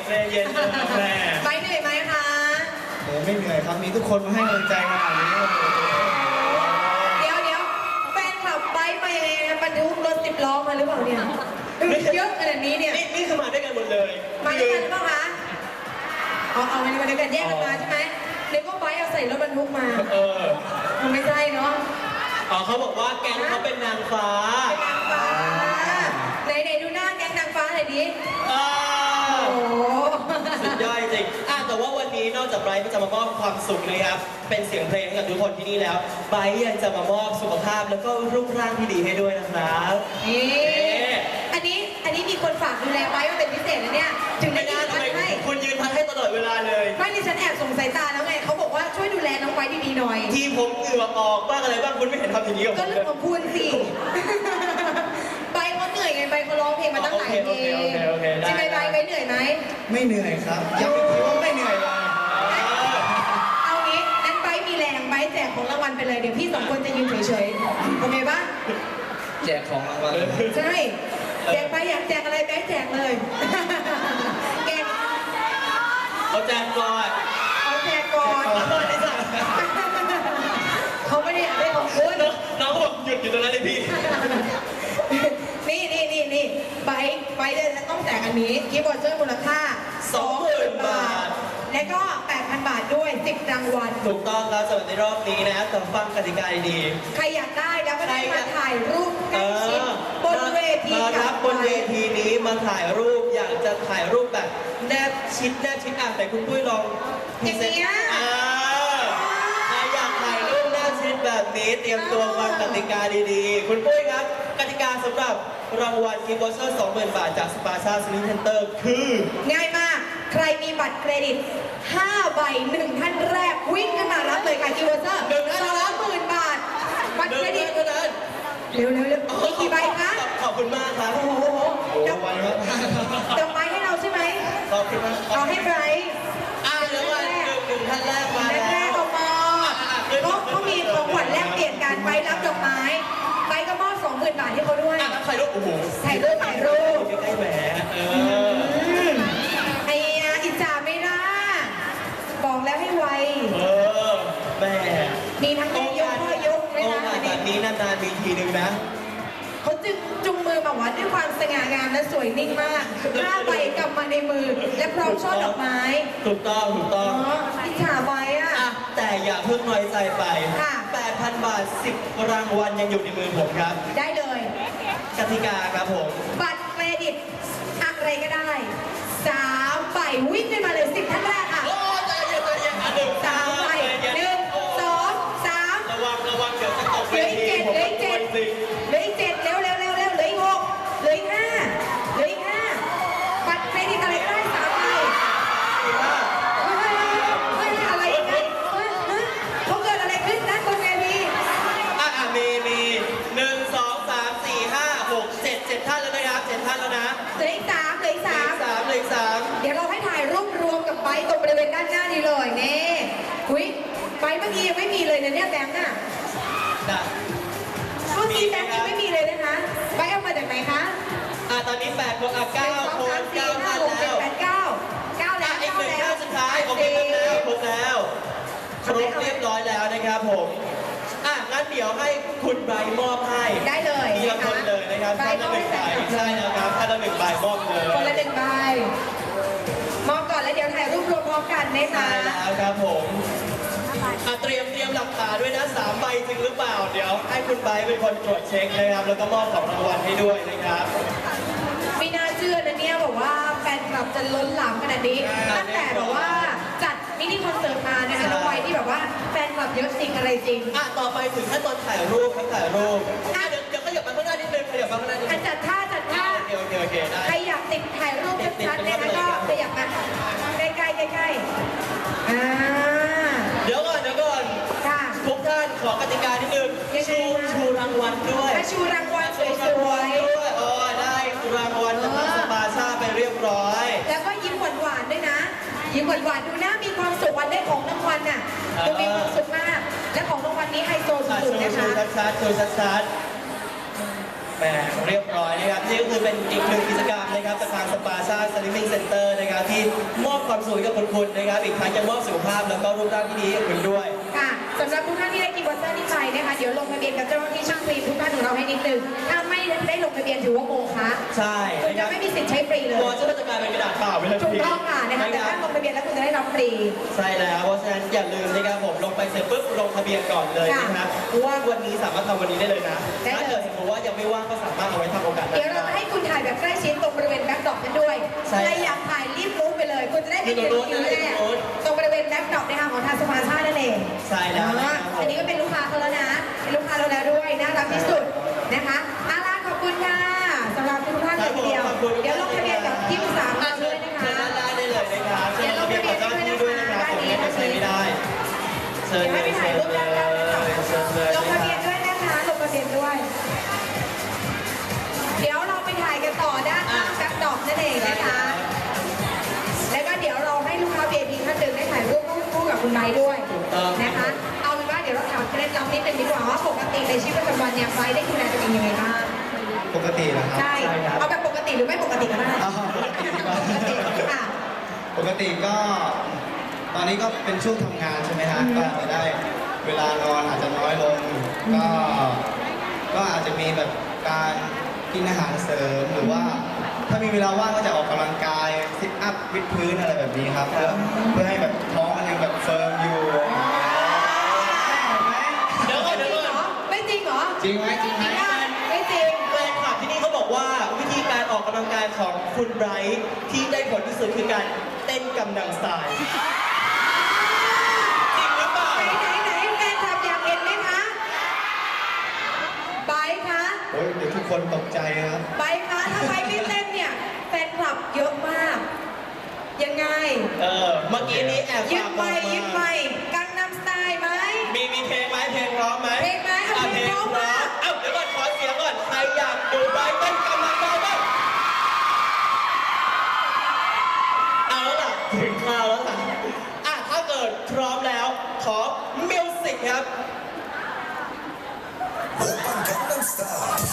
ใจเย็นแม่ไปเหนื่อยไหมคะโอ้ไม่เหนื่อยครับมีทุกคนมาให้กำลังใจขนาดนี้เดี๋ยวแฟนขับไปมายังไงนะบรรทุกรถ10 ล้อมาหรือเปล่าเนี่ยเยอะขนาดนี้เนี่ยนี่คือมาด้วยกันหมดเลยมาด้วยกันหรือเปล่าคะเอามาด้วยกันแยกกันมาใช่ไหมเด็กก็ไปเอาใส่รถบรรทุกมามันไม่ใช่เนาะเขาบอกว่าแก๊งเขาเป็นนางฟ้าเป็นนางฟ้าไหนดูหน้าแก๊งนางฟ้าหน่อยดิโอ้โหสุดยอดจริงแต่ว่าวันนี้นอกจากไบรท์จะมามอบความสุขนะครับเป็นเสียงเพลงให้กับทุกคนที่นี่แล้วไบรท์ยังจะมามอบสุขภาพแล้วก็รูปร่างที่ดีให้ด้วยนะครับนี่อันนี้มีคนฝากดูแลไว้ว่าเป็นพิเศษนะเนี่ยถึงได้ยืนพัดให้คุณยืนพัดให้ตลอดเวลาเลยไม่ดิฉันแอบส่งสายตาแล้วไงเขาบอกว่าช่วยดูแลน้องไว้ดีๆหน่อยทีผมเหงื่อออกบ้างอะไรบ้างคุณไม่เห็นทำอย่างนี้กับผมก็เรื่องของคุณสิไปเขาเหนื่อยไงไปเขาร้องเพลงมาตั้งหลายเพลงใช่ไหมไปเหนื่อยไหมไม่เหนื่อยครับยังไม่คิดว่าไม่เหนื่อยเลยเอางี้นั้นไปมีแรงไปแจกของรางวัลไปเลยเดี๋ยวพี่2 คนจะยืนเฉยๆโอเคปะแจกของรางวัลใช่แจกไปอยากแจกอะไรไปแจกเลยแจกเขาแจกก่อนเอาแจกก่อนเขาไม่ได้อยากได้ของคุณน้องบอกหยุดอยู่ตรงนั้นเลยพี่นี่ไปเลยต้องแจกอันนี้กิฟต์วอเชอร์มูลค่า 20,000 บาทและก็ 8,000 บาทด้วย10 รางวัลถูกต้องครับสำหรับในรอบนี้นะแต่ฟังกติกาดีใครอยากได้แล้วก็ได้มาถ่ายรูปใกล้ชิดบนเวทีมารับบนเวทีนี้มาถ่ายรูปอยากจะถ่ายรูปแบบแนบชิดแต่คุณปุ้ยลองอย่างเงี้ยใครอยากถ่ายรูปแนบชิดแบบนี้เตรียมตัวฟังกติกาดีๆคุณปุ้ยครับกติกาสำหรับรางวัลกิฟต์วอเชอร์ 20,000 บาทจากสปาชาสลิงเซ็นเตอร์คือง่ายมากใครมีบัตรเครดิต5 ใบ 1 ท่านแรกวิ่งขึ้นมารับเลยค่ะกิฟต์วอเชอร์ 20,000 บาทบัตรเครดิตเท่านั้นเร็วมีกี่ใบคะขอบคุณมากครับโอ้โหดอกไม้ให้เราใช่ไหมขอบคุณมากเอาให้ไบรท์เดี๋ยววันหนึ่งท่านแรกมาแล้วแรกออกมาเขามีของขวัญแลกเปลี่ยนกันไปรับดอกไม้ไปก็มอบ 20,000 บาทให้เขาด้วยถ่ายรูปโอ้โหถ่ายรูปใกล้ๆแหมไอ้อิจฉาไม่ได้บอกแล้วให้ไวแม่มีทั้งแม่ยกพ่อยกไม่ได้แบบนี้นานๆมีทีนึงนะเขาจึงจุงมือมาวัดด้วยความสง่างามและสวยนิ่งมากหน้าใบกลับมาในมือและพร้อมช่อดอกไม้ถูกต้องอิจฉาไว้แต่อย่าเพิ่งน้อยใจไป 8,000 บาท 10 รางวัลยังอยู่ในมือผมครับได้เลยกติกาครับผมบัตรเครดิตอะไรก็ได้3 ใบวิ่งขึ้นมาเลย10 ท่านแรกค่ะโอ้ใจเย็น 3 ใบ 1 2 3 ระวังเดี๋ยวจะตกเวทีเหลืออีก 7เร็วเหลืออีก 6เหลืออีก 5บัตรเครดิตอะไรก็ได้3 ใบอะไรกันเขาเกิดอะไรขึ้นนะบนเวทีมี1 2 3 4 5 6 7ท่านแล้วนะครับ7ท่านแล้วนะเหลืออีก 3 เดี๋ยวเราให้ถ่ายรูปรวมกับไบตรงบริเวณด้านหน้านี้เลยนี่คุยไบเมื่อกี้ยังไม่มีเลยนะเนี่ยแบงค์น่ะเมื่อกี้แบงค์ยังไม่มีเลยนะคะไบเอามาจากไหนคะตอนนี้8 คน9 คน9ท่านแล้ว 9แล้วอีก1ท่านสุดท้ายโอเคครบแล้วเรียบร้อยแล้วนะครับผมงั้นเดี๋ยวให้คุณไบมอบให้ได้เลยทีละคนเลยนะครับท่านละ1 ใบใช่แล้วครับท่านละ1 ใบมอบเลยคนละ1 ใบมอบก่อนแล้วเดี๋ยวถ่ายรูปรวมพร้อมกันนะคะใช่แล้วครับผมเตรียมหลักฐานด้วยนะ3 ใบจริงหรือเปล่าเดี๋ยวให้คุณไบเป็นคนตรวจเช็คนะครับแล้วก็มอบของรางวัลให้ด้วยนะครับไม่น่าเชื่อนะเนี่ยบอกว่าแฟนคลับจะล้นหลามขนาดนี้ตั้งแต่แบบว่าจัดมินิคอนเสิร์ตมานะคะน้องไว้ที่แบบว่าแฟนคลับเยอะจริงอะไรจริงต่อไปถึงขั้นตอนถ่ายรูปครับถ่ายรูปเดี๋ยวขยับมาข้างหน้านิดนึงขยับมาข้างหน้านิดนึงจัดท่าโอเคได้ใครอยากติดถ่ายรูปชัดๆนะคะก็ขยับมาใกล้เดี๋ยวก่อนทุกท่านขอกติกานิดนึงชูรางวัลด้วยชูรางวัลสวยๆได้รางวัลจากสปาชาไปเรียบร้อยแล้วก็ยิ้มหวานๆด้วยนะยิ้มหวานๆดูหน้ามีความสุขวันได้ของรางวัลน่ะดูมีความสุขมากและของรางวัลนี้ไฮโซสุดๆนะคะชูชัดแหมเรียบร้อยนะครับนี่ก็คือเป็นอีกหนึ่งกิจกรรมนะครับจากทางสปาซ่าสลิมมิ่งเซ็นเตอร์นะครับที่มอบความสุขให้กับคุณนะครับอีกทั้งยังมอบสุขภาพแล้วก็รูปร่างที่ดีให้คุณด้วยค่ะสำหรับทุกท่านที่ได้กินวอเตอร์นี่ไปนะคะเดี๋ยวลงทะเบียนกับเจ้าหน้าที่ช่างฟรีทุกท่านของเราให้นิดนึงถ้าไม่ได้ลงทะเบียนถือว่าโมฆะใช่คุณจะไม่มีสิทธิ์ใช้ฟรีเลยตัวจะกลายเป็นกระดาษเปล่าไปเลยถูกต้องค่ะนะคะแต่ถ้าลงทะเบียนแล้วคุณจะได้รับฟรีใช่แล้วเพราะฉะนั้นอย่าลืมนะครับผมลงไปเสร็จปุ๊บลงทะเบียนก่อนเลยนะครับเพราะว่าวันนี้สามารถทำวันนี้ได้เลยนะถ้าเกิดสมมติว่ายังไม่ว่างก็สามารถเอาไว้ทำโอกาสหน้าเดี๋ยวเราจะให้คุณถ่ายแบบใกล้ชิดตรงบริเวณแบ็คดรอปกันด้วยใช่ใครอยากถ่ายรีบลุกไปเลย คุณจะได้ไปยืนคิวแรกตรงบริเวณแบ็คดรอปนะคะของทางสภาชาตินั่นเองใช่แล้วนะครับอันนี้ก็เป็นลูกค้าเขาแล้วนะ เป็นลูกค้าเราแล้วด้วย น่ารักที่สุดนะคะอาลาขอบคุณค่ะสำหรับทุกท่านเลยทีเดียว เดี๋ยวลงทะเบียนกับที่ปรึกษาเราด้วยนะคะเชิญด้านล่างได้เลยนะครับเชิญลงทะเบียนกับเจ้าหน้าที่ด้วยนะครับผมยังใช้ไม่ได้เชิญเดี๋ยวเลให้ยไปถ่ายรูปด้านล่างนะคะเชิญเลยลงทะเบียนด้วยนะคะ ลงทะเบียนด้วย เดี๋ยวเราไปถ่ายกันต่อด้านข้างแบ็คดรอปนั่นเองนะคะ แล้วก็เดี๋ยวเราให้ลูกค้า VIP ท่านหนึ่งได้ถ่ายรูปคู่กับคุณไบร์ทด้วยนะคะ เอาเป็นว่าเดี๋ยวเราถามเคล็ดลับนิดนึงดีกว่าว่าปกติในชีวิตประจำวันเนี่ยไบร์ทได้ดูแลตัวเองยังไงบ้างปกตินะครับใช่ เอาแบบปกติหรือไม่ปกติก็ได้อ๋อปกติดีกว่าปกติค่ะปกติก็ตอนนี้ก็เป็นช่วงทำงานใช่ไหมฮะก็อาจจะได้เวลานอนอาจจะน้อยลง ก็อาจจะมีแบบการกินอาหารเสริมหรือว่า ถ้ามีเวลาว่างก็จะออกกำลังกายซิทอัพวิดพื้นอะไรแบบนี้ครับเพื่อให้แบบท้องมันยังแบบเฟิร์มอยู่เดี๋ยวก่อนเดี๋ยวก่อนไม่จริงเหรอจริงไหมจริงไหมไม่จริงแฟนคลับที่นี่เขาบอกว่าวิธีการออกกำลังกายของคุณไบรท์ที่ได้ผลที่สุดคือการเต้นกำลังสายจริงหรือเปล่าไหนแฟนคลับอยากเห็นไหมคะไบร์ทคะโอ้ยเดี๋ยวทุกคนตกใจครับไบร์ทคะถ้าไบร์ทไม่เต้นเนี่ยแฟนคลับเยอะมาก ยังไงเมื่อกี้นี้แอบยึดฝากไปบอกยึดไปมากังนำสไตล์ไหมมีเพลงไหมเพลงพร้อมไหมเพลงไหมเอาเพลงพร้อมมาเอ้าเดี๋ยวก่อนขอเสียงก่อนใครอยากดูไบรท์เต้นกำลังกายบ้างเอาแล้วล่ะถึงคราวแล้วล่ะถ้าเกิดพร้อมแล้วขอมิวสิกครับ Gangnam Style.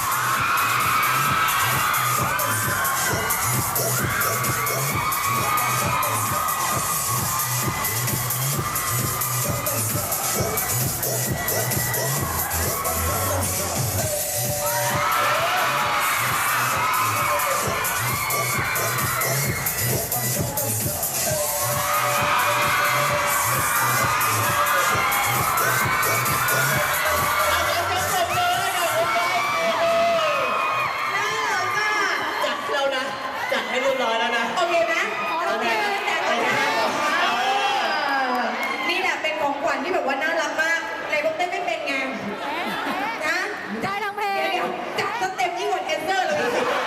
ที่แบบว่าน่ารักมากไหนบอกเต้นไม่เป็นไงนะได้ทั้งเพลงเดี๋ยวจัดสเต็ปยิ่งกว่าแดนเซอร์เลย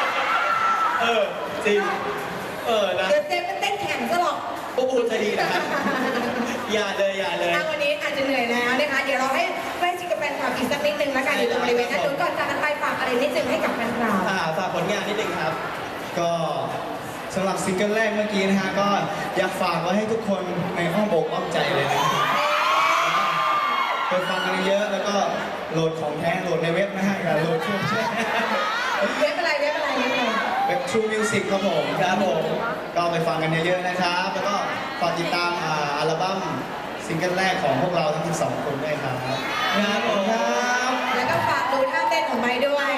จริงนะเดี๋ยวเจมเป็นเต้นแข่งซะหรอกปุ๊บจะดีนะอย่าเลยวันนี้อาจจะเหนื่อยแล้วนะคะ เดี๋ยวเราให้ใกล้ชิดกับแฟนคลับอีกสักนิดนึงแล้วกันอยู่ตรงบริเวณนั้นนู้นก่อนจากกันไปฝากอะไรนิดนึงให้กับแฟนคลับฝากผลงานนิดนึงครับก็สำหรับซิงเกิลแรกเมื่อกี้นะฮะก็อยากฝากไว้ให้ทุกคนในอ้อมอกอ้อมใจเลยนะไปฟังกันเยอะแล้วก็โหลดของแท้โหลดในเว็บนะฮะอย่าโหลดช่วงแช่เว็บอะไรเว็บ True Music ครับผมครับผมก็ไปฟังกันเยอะๆนะครับ แล้วก็ฝากติดตามอัลบั้มซิงเกิลแรกของพวกเราทั้ง12คนด้วยครับครับผมครับแล้วก็ฝากดูท่าเต้นของไม้ด้วย